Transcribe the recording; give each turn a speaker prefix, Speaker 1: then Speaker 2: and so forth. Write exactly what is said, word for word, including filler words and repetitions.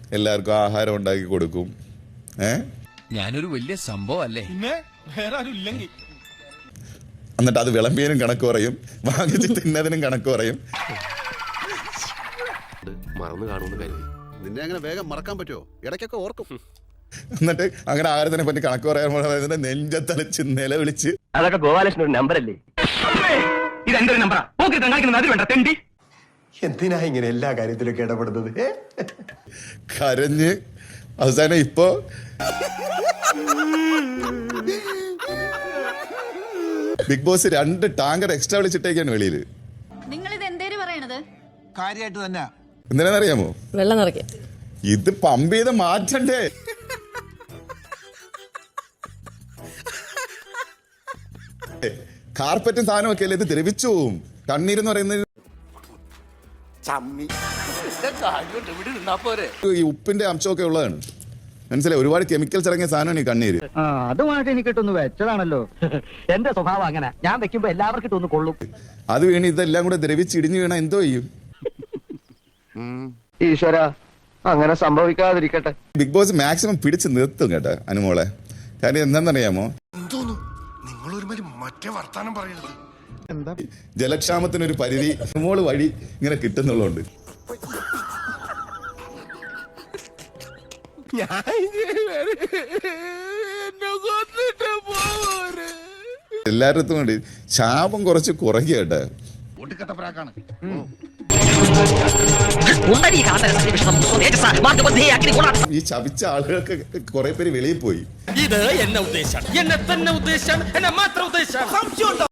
Speaker 1: എല്ലാവർക്കും ആഹാരം ഉണ്ടാക്കി കൊടുക്കും. ഏ
Speaker 2: ഞാനൊരു വലിയ സംഭവം അല്ലേ?
Speaker 1: എന്നിട്ട് അത് വിളമ്പിയതിനും കണക്ക് പറയും, വാങ്ങിച്ച് തിന്നതിനും കണക്ക് പറയും.
Speaker 3: മറന്നു കാണുമെന്ന് കരുതി.
Speaker 4: നിന്നെ അങ്ങനെ വേഗം മറക്കാൻ പറ്റുമോ? ഇടയ്ക്കൊക്കെ ഓർക്കും.
Speaker 1: എന്നിട്ട് അങ്ങനെ ആഹാരത്തിനെ പറ്റി കണക്ക് പറയാൻ നെഞ്ചത്തളിച്ച് നിലവിളിച്ച്.
Speaker 5: അതൊക്കെ ഗോപാലകൃഷ്ണൻ ഒരു നമ്പർ അല്ലേ? ഇത് എന്റെ ഒരു നമ്പറാ. അതിൽ വേണ്ട തെണ്ടി.
Speaker 6: എന്തിനാ ഇങ്ങനെ എല്ലാ കാര്യത്തിലൊക്കെ ഇടപെടുന്നത്?
Speaker 1: കരഞ്ഞ് അവസാനം ഇപ്പോ ബിഗ് ബോസ് രണ്ട് ടാങ്കർ എക്സ്ട്രാ വിളിച്ചിട്ടേക്കാണ് വെളിയില്.
Speaker 7: നിങ്ങൾ ഇത് എന്തേലും പറയണത്
Speaker 2: കാര്യമായിട്ട് തന്നെ.
Speaker 1: എന്തിനാന്നറിയാമോ?
Speaker 8: വെള്ളം നിറയ്ക്കാൻ.
Speaker 1: ഇത് പമ്പ് ചെയ്ത് മാറ്റണ്ടേ? കാർപ്പറ്റും സാധനം ഒക്കെ അല്ലേ, ഇത് ദ്രവിച്ചു പോവും. കണ്ണീരെന്ന് പറയുന്നത് ഈ ഉപ്പിന്റെ അംശമൊക്കെ ഉള്ളതാണ്, മനസ്സിലായി? ഒരുപാട് കെമിക്കൽസ് ഇറങ്ങിയ സാധനമാണ് ഈ കണ്ണീര്.
Speaker 5: അതുമായിട്ട് എനിക്കിട്ടൊന്ന് വെച്ചതാണല്ലോ. എന്റെ സ്വഭാവം അങ്ങനെ, ഞാൻ വെക്കുമ്പോ എല്ലാവർക്കും ഇട്ടൊന്ന് കൊള്ളും.
Speaker 1: അത് വീണ് ഇതെല്ലാം കൂടെ ദ്രവിച്ച് ഇടിഞ്ഞു വീണ എന്തോ ചെയ്യും?
Speaker 5: ഈശ്വര, അങ്ങനെ സംഭവിക്കാതിരിക്കട്ടെ.
Speaker 1: ബിഗ് ബോസ് മാക്സിമം പിടിച്ച് നിർത്തും കേട്ടോ അനുമോളെ. കാര്യം എന്താണെന്നറിയാമോ? ജലക്ഷാമത്തിനൊരു പരിധി അനുമോള് വഴി ഇങ്ങനെ കിട്ടുന്നുള്ളതുകൊണ്ട് എല്ലായിടത്തും കൊണ്ട് ശാപം കുറച്ച് കുറയ്ക്കുക കേട്ടോ. ഈ ശപിച്ച ആളുകൾക്ക് കുറെ പേര് വെളിയിൽ പോയി.
Speaker 2: ഇത് എന്നെ ഉദ്ദേശം, എന്നെ തന്നെ ഉദ്ദേശം, എന്നെ മാത്രം ഉദ്ദേശം.